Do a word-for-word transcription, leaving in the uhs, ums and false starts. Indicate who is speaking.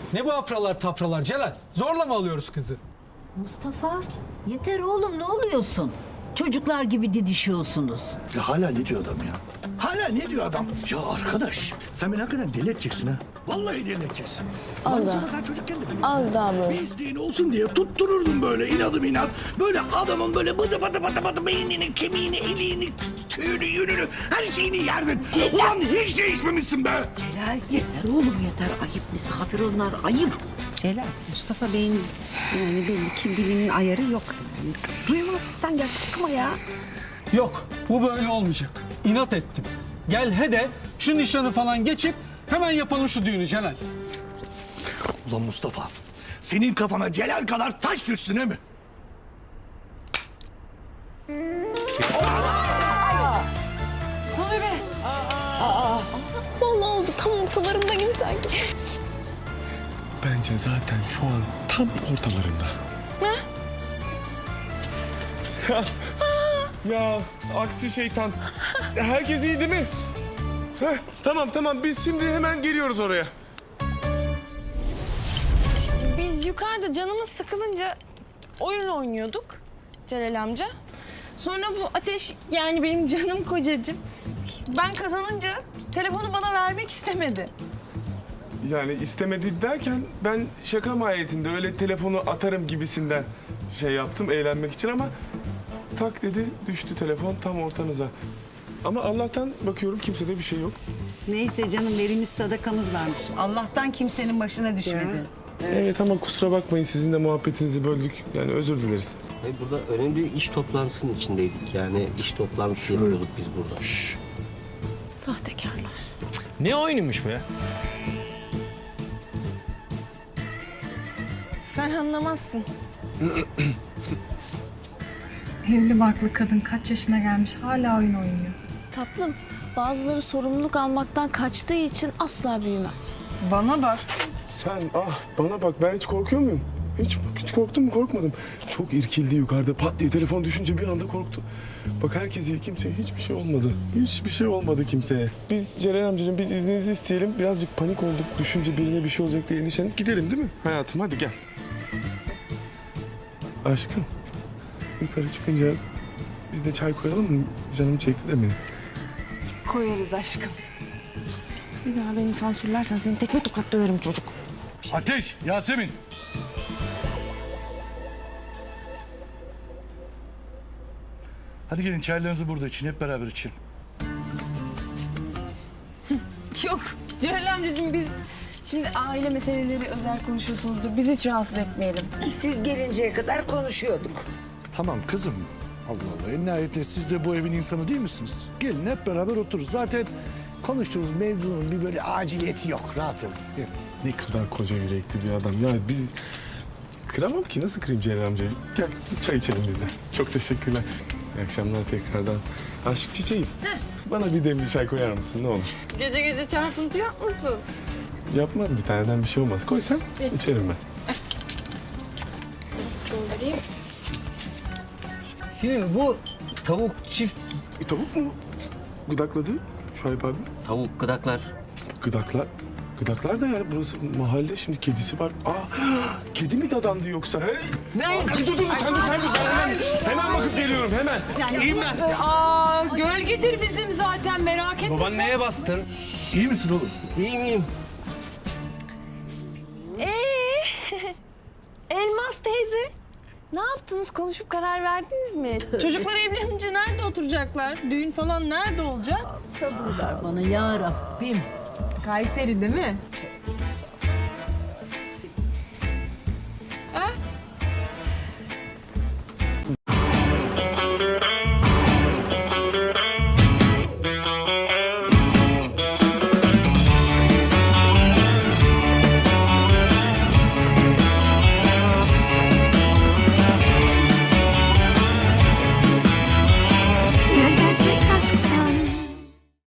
Speaker 1: Ne bu afralar tafralar Celal? Zorla mı alıyoruz kızı?
Speaker 2: Mustafa, yeter oğlum, ne oluyorsun? Çocuklar gibi didişiyorsunuz.
Speaker 3: Ya hala ne diyor adam ya? Hala ne diyor adam? Ya arkadaş sen beni hakikaten deli edeceksin ha. Vallahi deli edeceksin.
Speaker 4: Allah.
Speaker 3: Bana sen çocukken de biliyordun.
Speaker 4: Az daha böyle.
Speaker 3: Bir isteğin olsun diye tuttururdum böyle inadım inat. Böyle adamın böyle bıdı bıdı bıdı bıdı beynini, kemiğini, eliğini, tüyünü, yününü her şeyini yerdin. Ulan hiç değişmemişsin be.
Speaker 5: Celal yeter oğlum yeter. Ayıp misafir onlar ayıp.
Speaker 6: Celal, Mustafa Bey'in yani belli ki dilinin ayarı yok. Yani. Duymazlıktan gel takma ya.
Speaker 1: Yok, bu böyle olmayacak. İnat ettim. Gel he de şu nişanı falan geçip hemen yapalım şu düğünü Celal.
Speaker 3: Ulan Mustafa senin kafana Celal kadar taş düşsün he mi?
Speaker 4: Vallahi oldu tam ortalarında gibi sanki.
Speaker 7: Bence zaten şu an tam ortalarında.
Speaker 4: Ne?
Speaker 7: Ya aksi şeytan. Herkes iyi değil mi? Heh, tamam tamam biz şimdi hemen geliyoruz oraya.
Speaker 4: Biz yukarıda canımız sıkılınca oyun oynuyorduk Celal amca. Sonra bu Ateş yani benim canım kocacığım ben kazanınca telefonu bana vermek istemedi.
Speaker 7: Yani istemedi derken ben şaka mahiyetinde öyle telefonu atarım gibisinden şey yaptım eğlenmek için ama tak dedi düştü telefon tam ortanıza. Ama Allah'tan bakıyorum kimsede bir şey yok.
Speaker 6: Neyse canım verimiz sadakamız varmış. Allah'tan kimsenin başına düşmedi.
Speaker 7: Evet ama kusura bakmayın sizin de muhabbetinizi böldük. Yani özür dileriz.
Speaker 8: Hayır, burada önemli bir iş toplantısının içindeydik. Yani iş toplantısı yapıyorduk biz burada.
Speaker 4: Sahtekarlar.
Speaker 9: Ne oyunuymuş be?
Speaker 4: Sen anlamazsın.
Speaker 10: Evli barklı kadın kaç yaşına gelmiş hala oyun oynuyor.
Speaker 11: Tatlım, bazıları sorumluluk almaktan kaçtığı için asla büyümez.
Speaker 10: Bana bak.
Speaker 7: Sen ah bana bak ben hiç korkuyor muyum? Hiç, hiç korktum mu? Korkmadım. Çok irkildi yukarıda pat diye telefon düşünce bir anda korktu. Bak herkes iyi kimseye hiçbir şey olmadı. Hiçbir şey olmadı kimseye. Biz Ceren amcacığım biz izninizi isteyelim. Birazcık panik olduk. Düşünce birine bir şey olacak diye endişelendik. Gidelim değil mi hayatım? Hadi gel. Aşkım yukarı çıkınca biz de çay koyalım mı? Canım çekti de benim.
Speaker 4: Koyarız aşkım. Bir daha beni sansürlersen seni tekme tokat döverim çocuk.
Speaker 3: Ateş, Yasemin. Hadi gelin çaylarınızı burada için hep beraber için.
Speaker 4: Yok Celal amcacığım biz şimdi aile meseleleri özel konuşuyorsunuzdur. Biz hiç rahatsız etmeyelim.
Speaker 5: Siz gelinceye kadar konuşuyorduk.
Speaker 3: Tamam kızım. Allah Allah en nihayetinde siz de bu evin insanı değil misiniz? Gelin hep beraber otururuz. Zaten konuştuğumuz mevzunun bir böyle aciliyeti yok. Rahat olun. Gelin.
Speaker 7: Ne kadar koca yürekli bir adam. Ya biz kıramam ki. Nasıl kırayım Ceren amcayı? Gel bir çay içelim biz de. Çok teşekkürler. İyi akşamlar tekrardan. Aşk çiçeğim. Bana bir demli çay koyar mısın ne olur?
Speaker 4: Gece gece çarpıntı yapmasın.
Speaker 7: Yapmaz bir taneden bir şey olmaz. Koy sen içerim ben.
Speaker 11: Nasıl doldurayım?
Speaker 9: Şimdi bu tavuk çift...
Speaker 7: E, tavuk mu? Gıdakladı Şuayb abi.
Speaker 8: Tavuk, gıdaklar.
Speaker 7: Gıdaklar. Gıdaklar da yani burası mahalle şimdi kedisi var. Aa kedi mi dadandı yoksa? Ne? Dur dur dur sen dur sen dur. Ben hemen, hemen bakıp geliyorum hemen. İyiyim ben.
Speaker 4: Aa gölgedir bizim zaten merak etme.
Speaker 9: Baban neye bastın?
Speaker 3: İyi misin oğlum?
Speaker 9: İyi miyim?
Speaker 4: Ee, Elmas teyze ne yaptınız? Konuşup karar verdiniz mi? Çocuklar evlenince nerede oturacaklar? Düğün falan nerede olacak?
Speaker 2: Sabır ver bana ya Rabbim.
Speaker 4: Kayseri değil mi?